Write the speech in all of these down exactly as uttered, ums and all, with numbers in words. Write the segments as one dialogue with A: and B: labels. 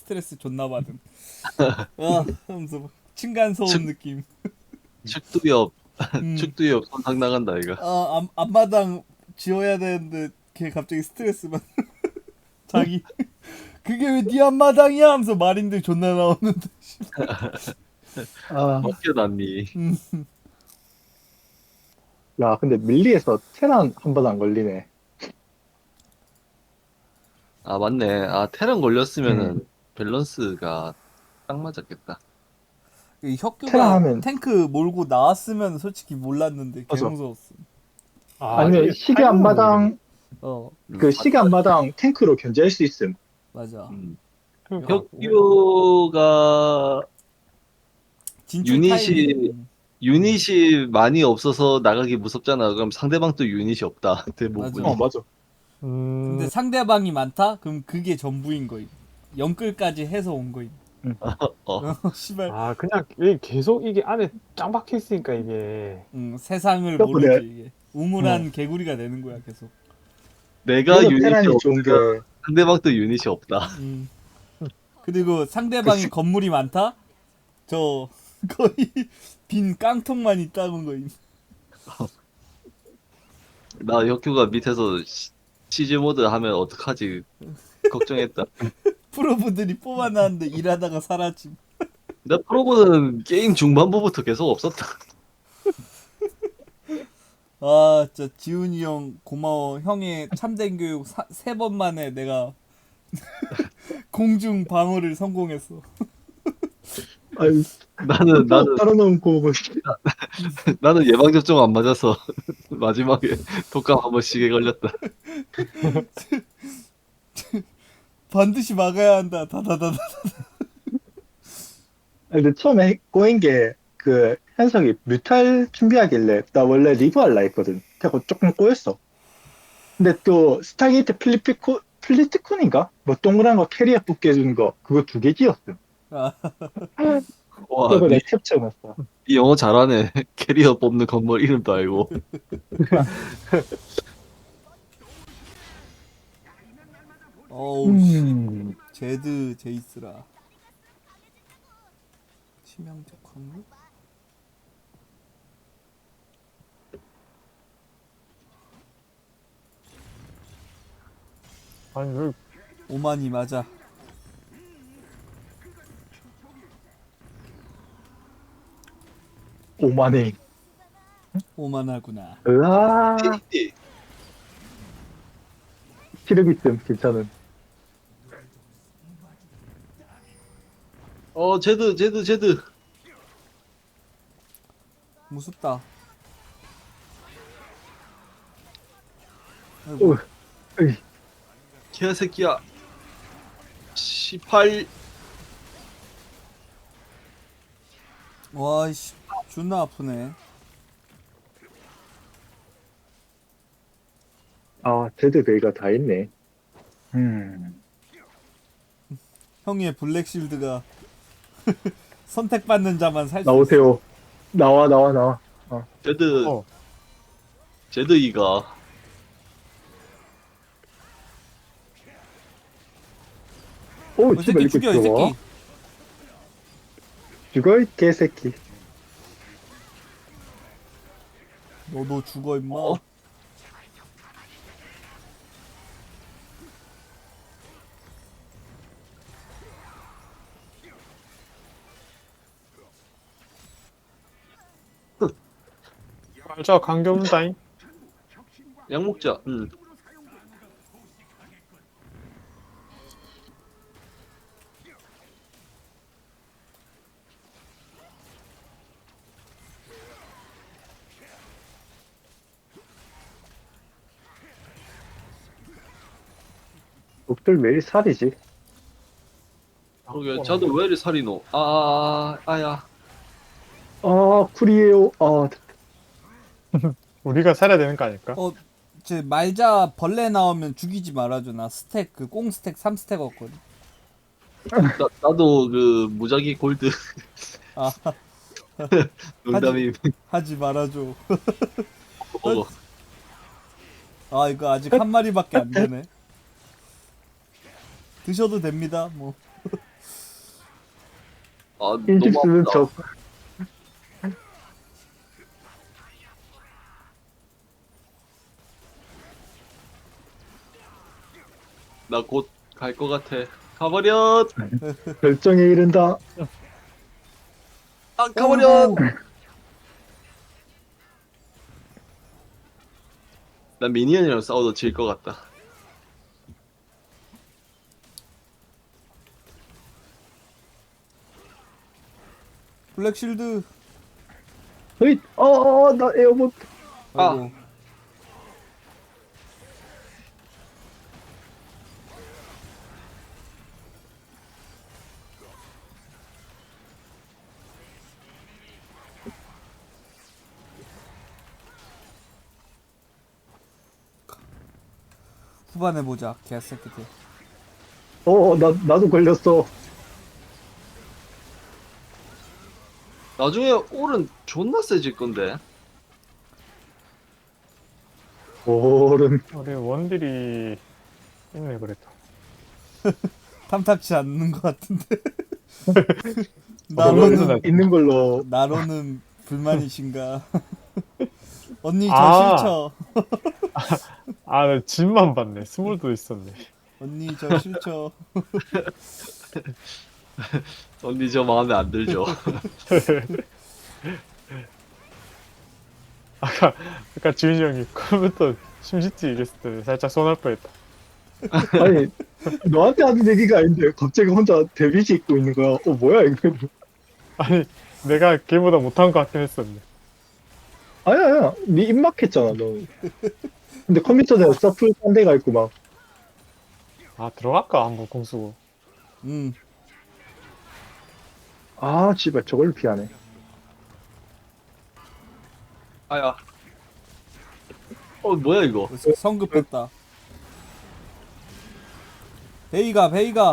A: 스트레스 존나 받음. 아 하면서 막 층간소음
B: 측-
A: 느낌.
B: 축두엽
A: 음.
B: 축두엽 손상 나간다 이거.
A: 아 앞, 앞마당 지어야 되는데 걔 갑자기 스트레스 받. 자기 그게 왜 네 앞마당이야 하면서 마린들 존나 나오는데.
C: 아,
B: 벗겨놨니?
A: 음.
C: 야, 근데 밀리에서 테란 한 번 안 걸리네.
B: 아 맞네. 아 테란
C: 음.
B: 걸렸으면은 밸런스가 딱 맞았겠다.
A: 이
C: 테란
A: 혁규가
C: 하면,
A: 탱크 몰고 나왔으면 솔직히 몰랐는데 개
C: 맞아.
A: 무서웠어.
D: 아,
C: 아니면
D: 이게
C: 시계
D: 타이밍을 모르겠네.
C: 앞마당,
A: 어
B: 음,
C: 그 시계 앞마당 탱크로 견제할 수 있음.
A: 맞아.
B: 음.
D: 그러니까
B: 혁규가
A: 진출 타이밍.
B: 유닛이
A: 음,
B: 유닛이 많이 없어서 나가기 무섭잖아. 그럼 상대방도 유닛이 없다. 대부분이.
A: 맞아.
C: 어, 맞아.
A: 근데
D: 음,
A: 상대방이 많다? 그럼 그게 전부인 거임. 영끌까지 해서 온 거임.
B: 어.
A: 어, 씨발.
D: 아, 그냥 이게 계속 이게 안에 짱 박혀 있으니까 이게.
A: 응, 세상을
C: 그래서
A: 모르지
C: 그래.
A: 이게. 우물한 개구리가 되는 거야 계속.
B: 내가
C: 그래서
B: 유닛이
C: 테란이 좋은 게,
B: 없으면 상대방도 유닛이 없다.
A: 음. 그리고 상대방이
C: 그 시-
A: 건물이 많다? 저 거의 빈 깡통만 있다는 거임.
B: 나 혁규가 밑에서 시- 시즈 모드 하면 어떡하지 걱정했다.
A: 프로브들이 뽑아놨는데 일하다가 사라짐.
B: 나 프로보는 게임 중반부부터 계속 없었다.
A: 아, 진짜 지훈이 형 고마워. 형의 참된 교육 세 번 만에 내가 공중 방어를 성공했어.
C: 아유,
B: 나는 나는
C: 따라놓고, 뭐,
B: 나는 예방 접종 안 맞아서 마지막에 독감 한 번 시게 걸렸다.
A: 반드시 막아야 한다. 다다다다.
C: 아니, 근데 처음에 꼬인 게, 그, 현석이 뮤탈 준비하길래, 나 원래 리브 할라 했거든. 그래서 조금 꼬였어. 근데 또, 스타게이트 필리피코, 필리티콘인가? 뭐, 동그란 거 캐리어 뽑게 해주는 거, 그거 두 개 지었음.
A: 아,
B: 와,
C: 그거
B: 니,
C: 내 캡처해놨어.
B: 니 영어 잘하네. 캐리어 뽑는 건물 이름도 알고.
A: 어우 씨.
C: 음,
A: 제드 제이스라. 치명적 확률?
D: 아니, 왜,
A: 오만이 맞아.
C: 오만해.
A: 오만하구나.
C: 으아,
B: 이-
C: 기력 있음, 괜찮은.
B: 어, 제드, 제드, 제드.
A: 무섭다. 아이고.
C: 오, 으이,
B: 개새끼야. 십팔.
A: 와이씨. 존나 아프네.
C: 아, 제드 베이가 다 있네. 음,
A: 형의 블랙실드가 선택받는 자만 살 수 있어.
C: 나오세요. 나와, 나와, 나와. 어.
B: 제드,
D: 어,
B: 제드 이가.
C: 오,
A: 이
C: 씨발,
A: 새끼
C: 이거
A: 죽여 이
C: 들어와.
A: 새끼.
C: 죽어, 이 개새끼.
A: 너도 죽어 임마.
B: 어?
D: 말자, 강경다잉.
B: 약 먹자. 응.
C: 놈들 매일 살이지.
B: 그러게, 저도 왜 이리 살이 노? 아, 아, 아, 아야.
C: 아, 쿨이에요. 아,
D: 우리가 살아야 되는 거 아닐까?
A: 어, 제 말자 벌레 나오면 죽이지 말아줘. 나 스택 그 꽁 스택 삼 스택 얻거든.
B: 나, 나도 그 무작위 골드
A: 아,
B: 농담이
A: 하지 말아줘.
B: 먹어.
A: 아, 이거 아직 한 마리밖에 안 되네. 드셔도 됩니다. 뭐
B: 아
C: 인식
B: 너무
C: 쓰는
B: 아프다.
C: 척.
B: 나 곧 갈 것 같아. 가버려.
C: 결정에 이른다.
B: 아 가버려.
A: 어이구.
B: 난 미니언이랑 싸워도 질 것 같다.
A: 블랙실드.
C: 어이, 어, 어, 나 에어본.
B: 아.
A: 아이고. 후반에 보자 개새끼들.
C: 어, 어, 나, 나도 걸렸어.
B: 나중에 올은 존나 세질 건데.
C: 오른.
D: 우리 원딜이 있네 그래도.
A: 탐탁치 않는 것 같은데.
D: 나로는
A: 나로는
C: 있는 걸로.
A: 나로는 불만이신가? 언니 저
D: 아.
A: 싫죠.
D: 아, 나 진만 봤네. 스몰도 있었네.
A: 언니 저 싫죠.
B: 언니 저 마음에 안 들죠.
D: 아까 아까 주인이 형이 컴퓨터 심시티 얘기했을 때 살짝 손할 뻔했다.
C: 아니, 너한테 하는 얘기가 아닌데, 갑자기 혼자 데뷔지 입고 있는 거야. 어, 뭐야, 이거.
D: 아니 내가 걔보다 못한 것 같긴 했었네.
C: 아니야, 아니야. 네 입막했잖아, 너. 근데 컴퓨터에 서플 딴 데가 있고, 막.
D: 아 들어갈까 한번 공수고.
A: 음.
C: 아, 씨발, 저걸 피하네.
B: 아야. 어 뭐야 이거?
A: 성급했다. 베이가 베이가.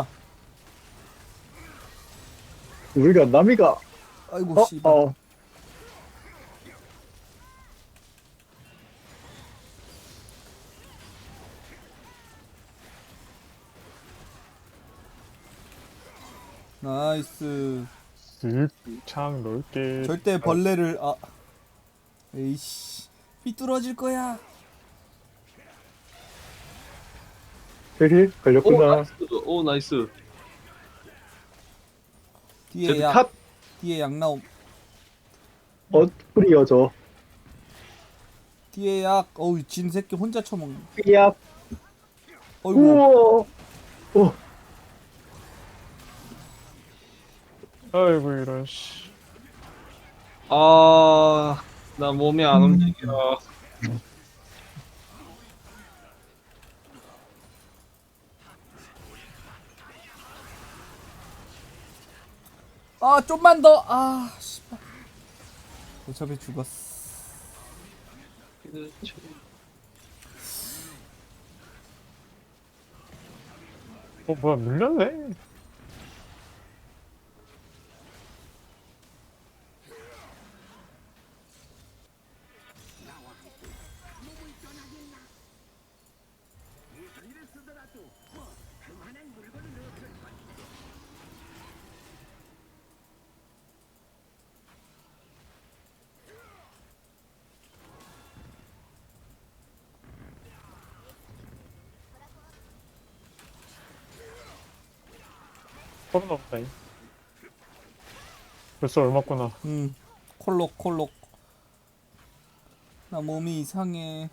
C: 우리가, 남이가,
A: 아이고
C: 어,
A: 씨발.
C: 어.
A: 나이스.
D: 쓱창 넓게.
A: 절대 벌레를 아. 에이씨. 삐뚤어질 거야.
C: 저기,
B: 오
C: 걸렸구나.
B: 나이스. 오 나이스.
A: 뒤에
B: 제드
A: 약.
B: 컷.
A: 뒤에 약 나옴.
C: 어, 뿌리어져.
A: 뒤에 약. 어우 진 새끼 혼자 처먹네.
C: 삐압.
A: 어이구.
C: 우와. 어,
D: 아이고 이런 씨.
B: 아, 나 몸이 안 움직여.
A: 아 좀만 더. 아 씨발. 어차피 죽었어.
D: 어 뭐야 밀렸네. 코로나 없다잉. 벌써 얼마구나.
A: 음. 콜록 콜록. 나 몸이 이상해.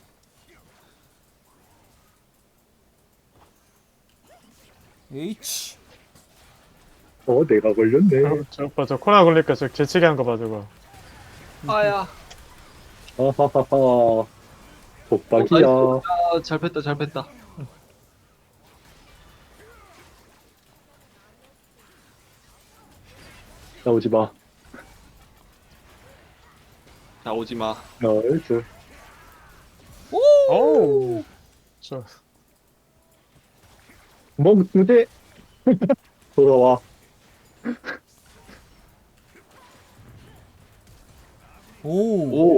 A: H.
C: 어, 내가 걸렸네.
D: 저 오빠 저 코로나 걸리니까 저 재채기 한 거 봐 저거.
B: 아야.
C: 아하하하. 독박이야.
B: 아, 잘 뺐다, 잘 뺐다.
C: 나오지 마.
B: 자, 오지 마.
C: 나이스.
D: 오우. 저
C: 먹는데 돌아와.
A: 오.
B: 오,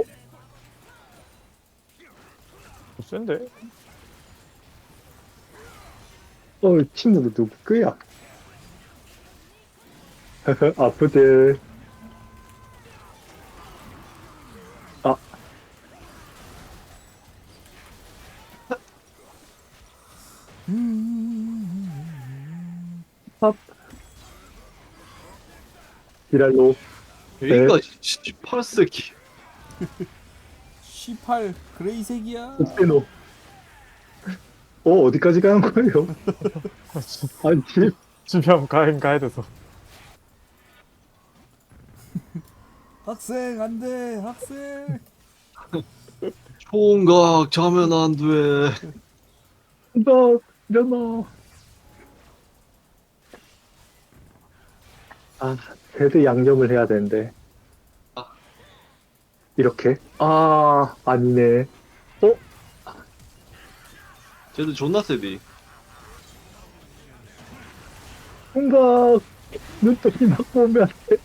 D: 센데?
C: 어, 친구도 누구 거야? 아프들. 아, 팝. 지랄로.
B: 얘가 십팔 세기.
A: 십팔 그레이색이야.
C: 옥세노. 어, 어디까지 가는 거예요? 아니, 집.
D: 주변 가인 가야 돼서.
A: 학생 안돼 학생.
B: 총각 자면 안 돼.
C: 너, 일어나. 아, 새드 양념을 해야 되는데.
B: 아.
C: 이렇게? 아, 아니네. 어?
B: 쟤도 존나 세디.
C: 뭔가, 눈떠기 맞고 오면 안 돼.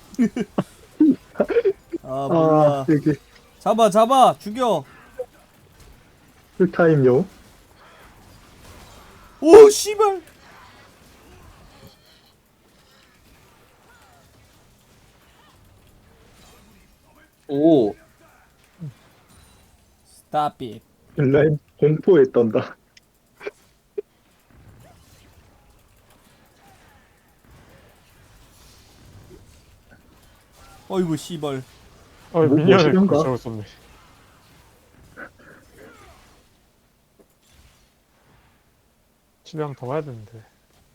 A: 아 몰라.
C: 아, 여기,
A: 잡아 잡아 죽여.
C: 풀타임용.
A: 오 씨발.
B: 오.
A: Stop it.
C: 라인 공포에 떤다.
A: 어이구 씨발.
D: 어,
C: 뭐,
D: 미니언을
C: 뭐
D: 저거 썼네. 집에 한 번 더 가야 되는데.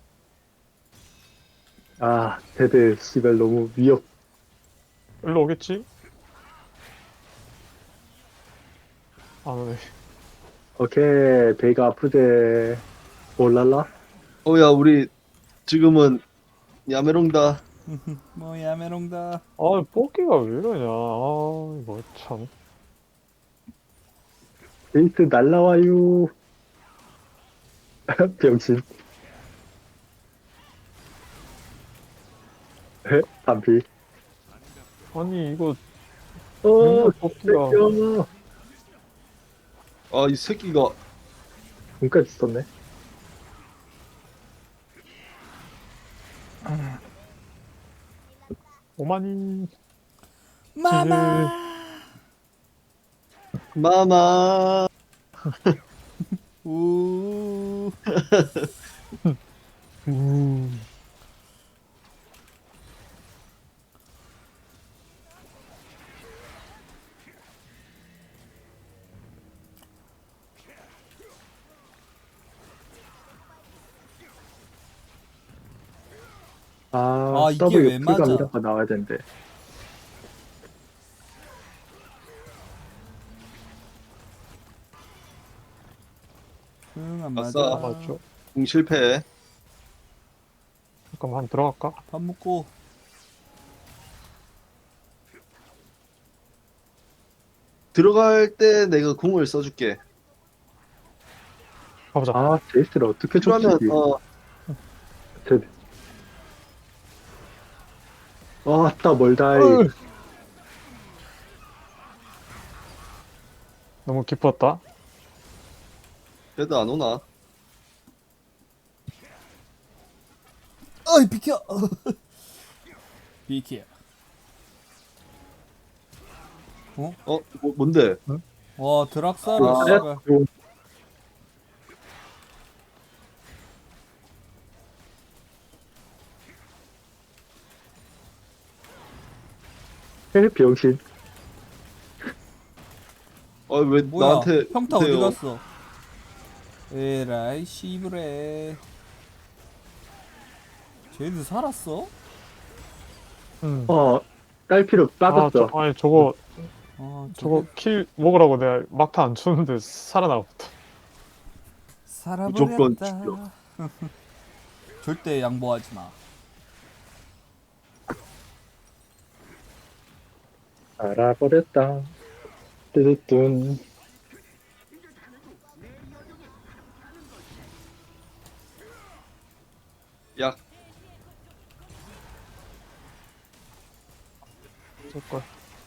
C: 아, 새드, 씨발, 너무 위협.
D: 일로 오겠지? 안 오네.
C: 오케이, 배가 아프대. 올랄라?
B: 어야 우리 지금은 야메롱다.
A: 뭐야 메롱다.
D: 아, 뽑기가 왜 이러냐. 아, 이거 참.
C: 베이스 날라와요. 병신. 에? 반피.
D: 아니, 이거
C: 어,
D: 맨날 뽑기가.
C: 뺏겨.
B: 아 이 새끼가
C: 돈까지 썼네.
D: 오만이.
A: 마마.
B: 마마.
A: 우.
D: 음.
C: 아,
A: 아, 이게
C: W
A: 왜 맞아?
C: 풀감이라고 나와야 되는데.
A: 응안
B: 아싸.
A: 맞아.
D: 아, 맞죠?
B: 공 실패.
D: 잠깐만, 한번 들어갈까?
A: 밥 먹고.
B: 들어갈 때 내가 공을 써줄게.
D: 가보자.
C: 아, 제이스를 어떻게 줬지?
B: 그러면 어
C: 제... 아, 따 멀다이.
D: 어이. 너무 기뻤다.
B: 그래도 안 오나?
A: 어이 비켜. 비켜.
B: 어 뭐, 뭔데?
A: 와 드락사를
C: 아,
A: 씨발.
C: 요- 에, 병신.
B: 아 왜
A: 뭐야?
B: 나한테
A: 평타
B: 오세요?
A: 어디 갔어? 에라이 씨브레. 쟤들 살았어?
D: 응.
C: 어, 딸피로
D: 아,
C: 빠졌어.
D: 저, 아니, 저거,
A: 아
D: 저거
A: 저거
D: 킬 먹으라고 내가 막타 안 쳤는데 살아나갔다.
B: 무조건
A: 살아버렸다.
B: 죽여.
A: 절대 양보하지 마.
C: 알아버렸다. 뜨뜻둔.
B: 야
D: 저걸.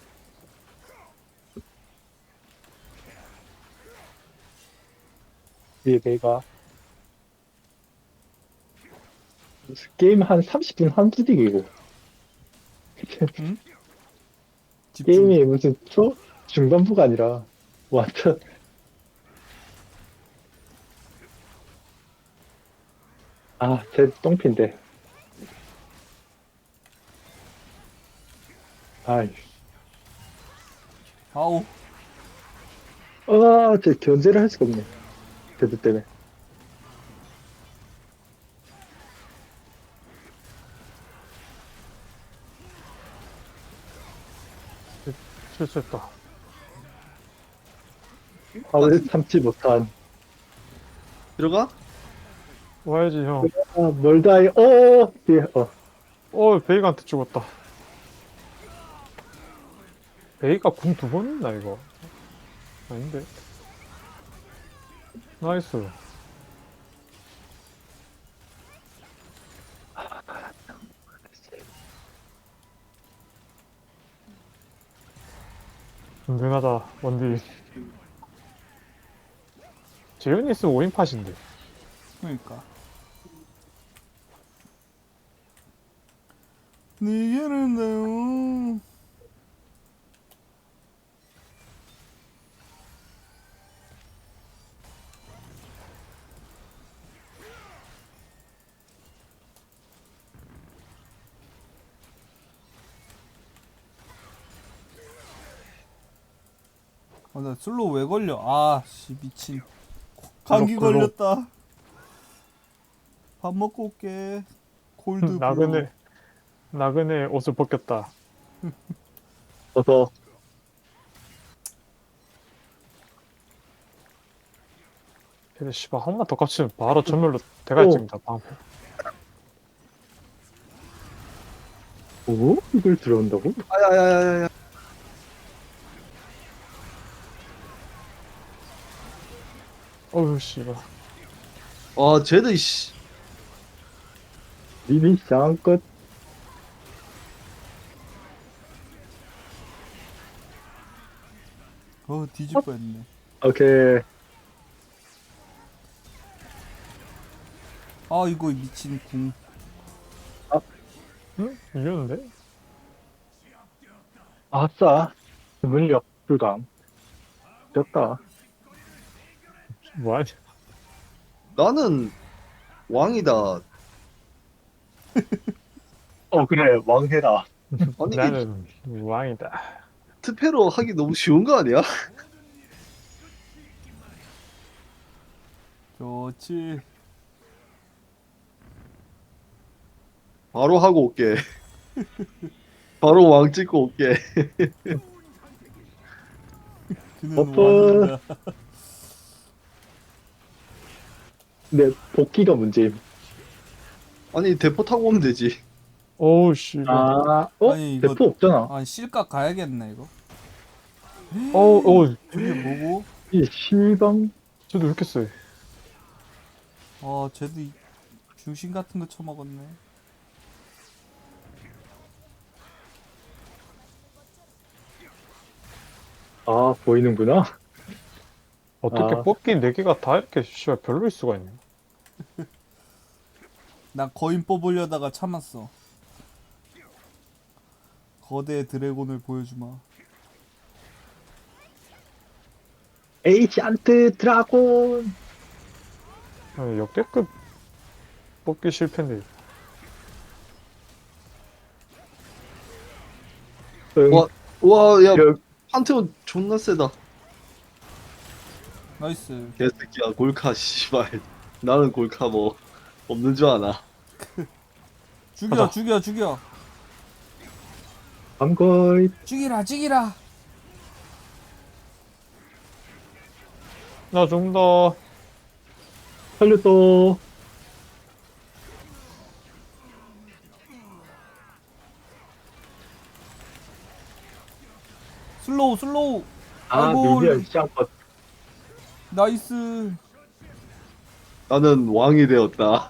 C: 위에 배가. 게임 한 삼십 분 한두 dig이고.
A: 집중.
C: 게임이 무슨 초 중반부가 아니라 완전 아, 제 똥핀데. 아이,
A: 아우.
C: 아, 제 견제를 할 수가 없네. 데드 때문에.
D: 실수했다.
C: 화를 참지 못한.
B: 들어가?
D: 와야지 형.
C: 아, 멀다이, 어, 예, 어.
D: 어 베이가한테 죽었다. 베이가 궁 두 번 했나 이거? 아닌데. 나이스. 든든하다 원딜. 제유니스 오 인팟인데.
A: 그러니까. 니게는 나요. 아, 나 슬로우 왜 걸려? 아, 씨, 미친. 감기
D: 글로, 글로.
A: 걸렸다. 밥 먹고 올게. 골드 블루.
D: 나그네 나그네 옷을 벗겼다.
C: 어서,
D: 근데 씨발 한 번 더 깝치면 바로 전멸로 대갈
C: 오.
D: 찍는다 방패.
C: 오? 이걸 들어온다고?
B: 아야야야야.
D: 어휴 씨발.
B: 아 쟤는 씨.
C: 리리 쌍끝.
A: 어, 뒤질 뻔했네.
C: 오케이.
A: 아, 이거 미친 궁.
D: 응? 이겼는데?
C: 아싸. 물력 불감. 됐다.
D: 뭐하냐?
B: 나는 왕이다.
C: 어, 그래. 왕해라.
B: 아니 이게
D: 나는 왕이다.
B: 투패로 하기 너무 쉬운 거 아니야?
A: 좋지.
B: 바로 하고 올게. 바로 왕 찍고 올게.
A: 그는
C: 버프.
A: 왕이다.
C: 근데 복귀가 문제임.
B: 아니 대포 타고 오면 되지.
D: 오우 씨발.
C: 아, 어?
A: 아니, 이거-
C: 대포 없잖아.
A: 아, 실각 가야겠네, 이거.
D: 어우 어우
A: 저게 뭐고?
C: 이 실방.
D: 쟤도 왜 이렇게 세?
A: 아, 쟤도 이- 중심 같은 거 쳐먹었네.
C: 아, 보이는구나.
D: 어떻게
C: 아.
D: 뽑기 네 개가 다 이렇게 씨발 별로일 수가 있냐?
A: 나 거인 뽑으려다가 참았어. 거대 드래곤을 보여주마.
C: 에이지안트 드라곤.
D: 아니, 역대급 뽑기 실패인데.
C: 응.
B: 와, 와, 야,
C: 여-
B: 판테온 존나 세다.
A: 나이스.
B: 개새끼야, 골카, 씨발. 나는 골카 뭐, 없는 줄 아나.
A: 죽여,
D: 가자.
A: 죽여, 죽여.
C: 밤거이.
A: 죽이라, 죽이라.
D: 나 좀 더.
C: 살려줘.
A: 슬로우, 슬로우.
C: 아,
A: 아이고.
C: 미디어 쌍껏.
A: 나이스.
B: 나는 왕이 되었다.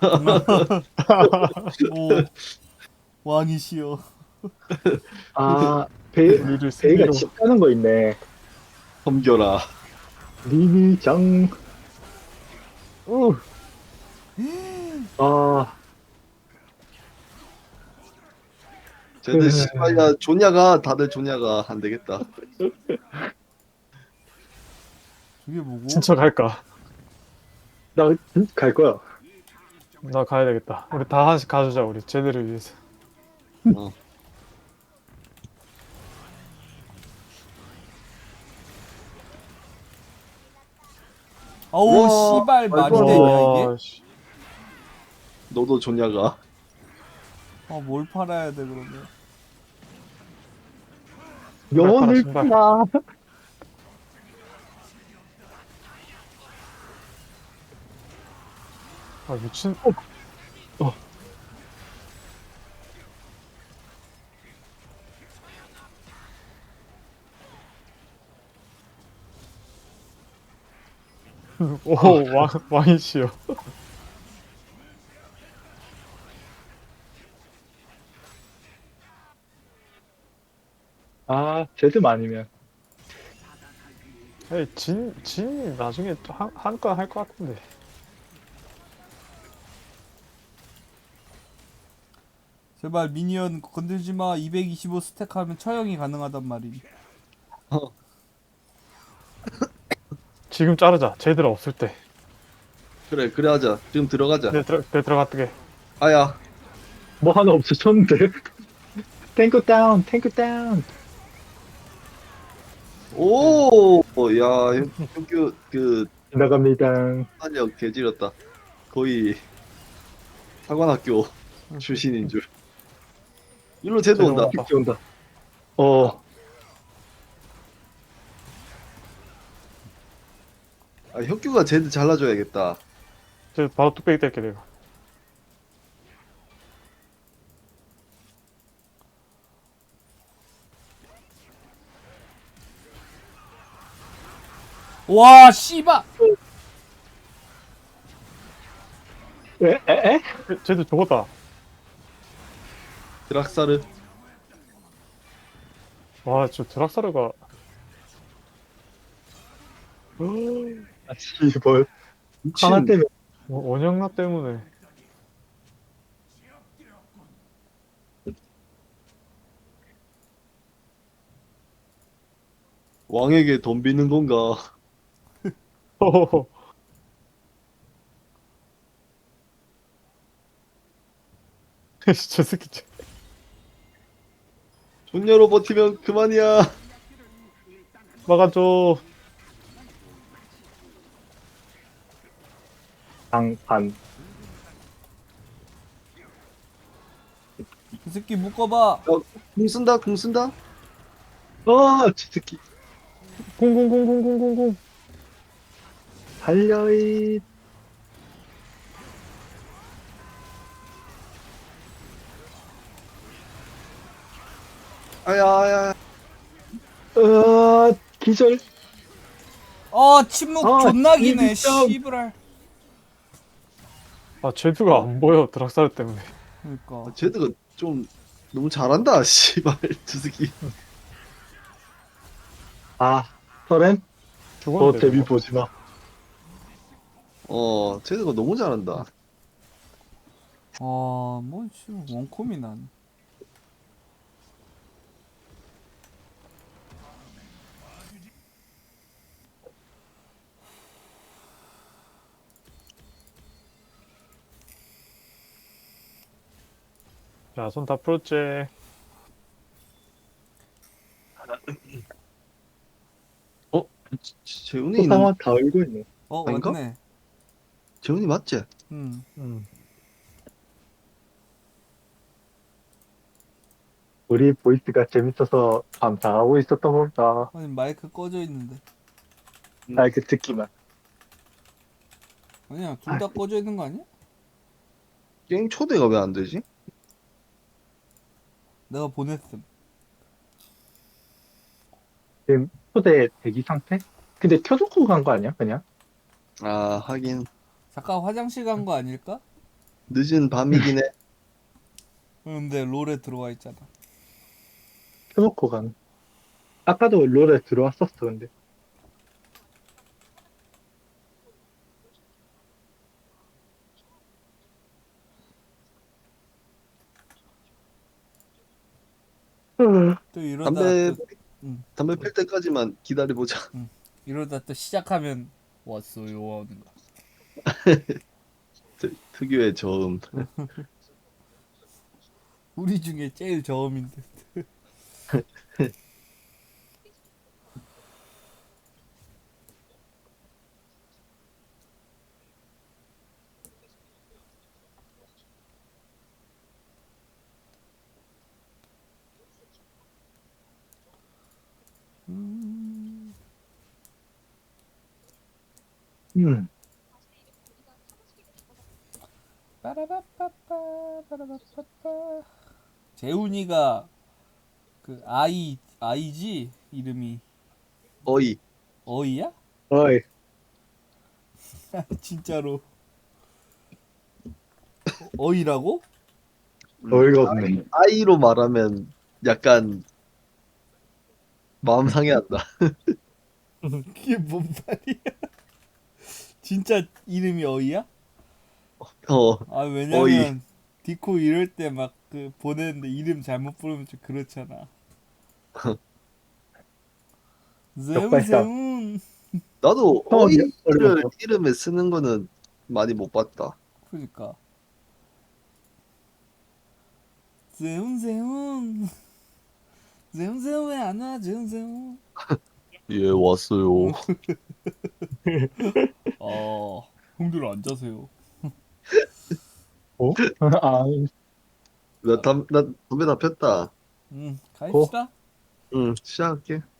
A: 오. 왕이시여.
C: 아, 베,
D: 우리를
C: 베이가
D: 승리로.
C: 집 가는 거 있네.
B: 섬겨라.
C: 리니장.
D: 우.
C: 아,
B: 쟤들 씨발 야 존야가 다들 존야가 안 되겠다.
A: 저게 뭐고?
D: 진짜 갈까?
C: 나 갈 거야.
D: 나 가야 되겠다. 우리 다 하나씩 가주자, 우리 쟤들을 위해서.
B: 어.
A: 어우
B: 우와,
A: 씨발 말이
B: 말도 안 돼.
A: 되냐 이게?
D: 와, 씨.
B: 너도 존야가.
A: 어뭘 팔아야 돼 그러면?
C: 영혼을
D: 신발.
C: 팔아.
D: 아, 미친.
C: 어.
D: 오, 왕, 왕이시여.
C: 아, 쟤들 아니면.
D: 에이, 진, 진이 나중에 한, 한 건 할 것 같은데.
A: 제발 미니언 건들지 마. 이백이십오 스택 하면 처형이 가능하단 말임.
D: 지금 자르자. 쟤들 없을 때.
B: 그래 그래 하자. 지금 들어가자.
D: 내 들어, 내 들어갔게.
B: 아야.
C: 뭐 하나 없어졌는데? 탱크 다운, 탱크 다운.
B: 오, 야, 현규 그
C: 나갑니다.
B: 탄력 개지렸다. 거의 사관학교 출신인 줄. 일로 쟤도 온다.
D: 쟤도
C: 픽지 온다. 어,
B: 아, 혁규가 쟤들 잘라줘야겠다.
D: 쟤 바로 뚝배기 뗄게, 내가.
A: 와 씨발.
C: 에, 에, 에?
D: 쟤, 쟤들 죽었다.
B: 드락사르.
D: 와, 저 드락사르가.
C: 아, 씨발.
B: 미친.
C: 하나 때문에.
D: 원- 원영나 때문에.
B: 왕에게 덤비는 건가?
D: 호호호. 저 새끼, 저-
B: 존녀로 버티면 그만이야.
D: 막아줘.
C: 장판.
A: 이 새끼 묶어봐.
B: 궁 쓴다, 궁 쓴다.
C: 아, 저 새끼.
D: 공공공공공공공.
C: 달려이.
B: 아야, 아야.
C: 어, 기절.
A: 어 침묵
C: 아,
A: 존나 기네.
C: 진짜.
A: 씨부랄.
D: 아, 쟤드가 안 보여, 드락사르 때문에.
A: 그러니까.
B: 쟤들가 좀 너무 잘한다, 씨발. 저 새끼.
C: 아, 서렌? 너
D: 죽었는데.
C: 데뷔
D: 저거.
C: 보지 마.
B: 어, 쟤들가 너무 잘한다.
A: 아뭐 지금 원콤이 난.
D: 자, 손 다 풀었지.
B: 어? 재훈이
C: 또
B: 있는,
C: 상황 다 알고 있네.
A: 어
B: 아닌가?
A: 맞네.
B: 재훈이 맞지?
A: 음.
D: 음.
C: 우리 보이스가 재밌어서 감상하고 있었던 건가.
A: 아니 마이크 꺼져 있는데.
C: 아, 그 듣기만.
A: 아니야 둘 다 꺼져 있는 거 아니야?
B: 게임 초대가 왜 안 되지?
A: 내가 보냈음.
C: 지금 초대 대기 상태? 근데 켜놓고 간 거 아니야, 그냥?
B: 아, 하긴.
A: 잠깐 화장실 간 거 아닐까?
B: 늦은 밤이긴 해.
A: 근데 롤에 들어와 있잖아.
C: 켜놓고 간. 아까도 롤에 들어왔었어, 근데.
A: 또 이러다
B: 담배
A: 또, 음,
B: 담배 필 때까지만 기다려보자.
A: 이러다 또 시작하면 왔어요 하는 거.
B: 특- 특유의 저음.
A: 우리 중에 제일 저음인데. 음,
C: 음.
A: 빠라바빠빠 빠라바빠빠. 재훈이가 그 아이 아이지 이름이
B: 어이.
A: 어이야?
C: 어이,
A: 진짜로 어이라고?
C: 어이가 없네.
B: 아이로 말하면 약간 마음 상해한다.
A: 그게 뭔 말이야? 진짜 이름이 어이야?
B: 어,
A: 아
B: 어이.
A: 왜냐면 디코 이럴 때 막 그 보냈는데 이름 잘못 부르면 좀 그렇잖아. 재훈
C: 역발상.
A: 재훈.
B: 나도
C: 처음이야,
B: 어이를
C: 어려워.
B: 이름에 쓰는 거는 많이 못 봤다.
A: 그러니까 재훈 재훈 재훈 재훈 왜 안 와? 재훈 재훈.
B: 예, 왔어요.
A: 어 형들 앉아세요.
C: 어? 아,
B: 나 담, 나 담배 다 폈다.
A: 응 가입시다.
B: 응, 시작할게.